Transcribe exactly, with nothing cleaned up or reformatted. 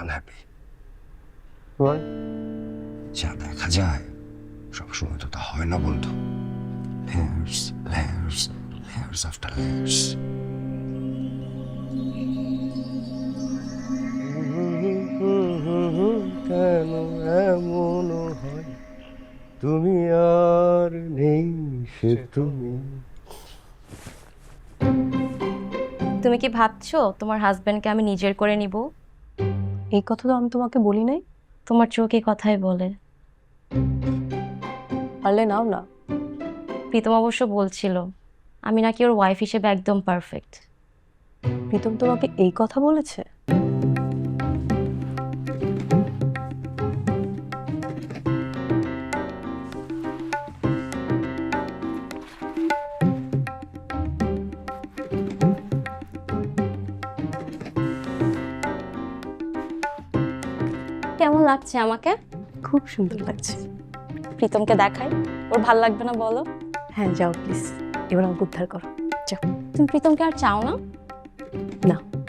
Unhappy. Why? যা দেখা যায় সবসময় তো তা হয় না বন্ধু। Layers layers layers after layers. কেন এমন হয়, তুমি আর নেই সে তুমি। তুমি কি ভাবছো তোমার হাজবেন্ডকে আমি নিজের করে নিব? এই কথা তো আমি তোমাকে বলি নাই। তোমার চোখে কথাই বলে। পারলে নাও না। প্রীতম অবশ্য বলছিল আমি নাকি ওর ওয়াইফ হিসেবে একদম পারফেক্ট। প্রীতম তোমাকে এই কথা বলেছে? কেমন লাগছে আমাকে? খুব সুন্দর লাগছে। প্রীতমকে দেখাই, ওর ভাল লাগবে না বলো? হ্যাঁ যাও প্লিজ, এবার আমাকে উদ্ধার করো। যাও। তুমি প্রীতমকে আর চাও না? না।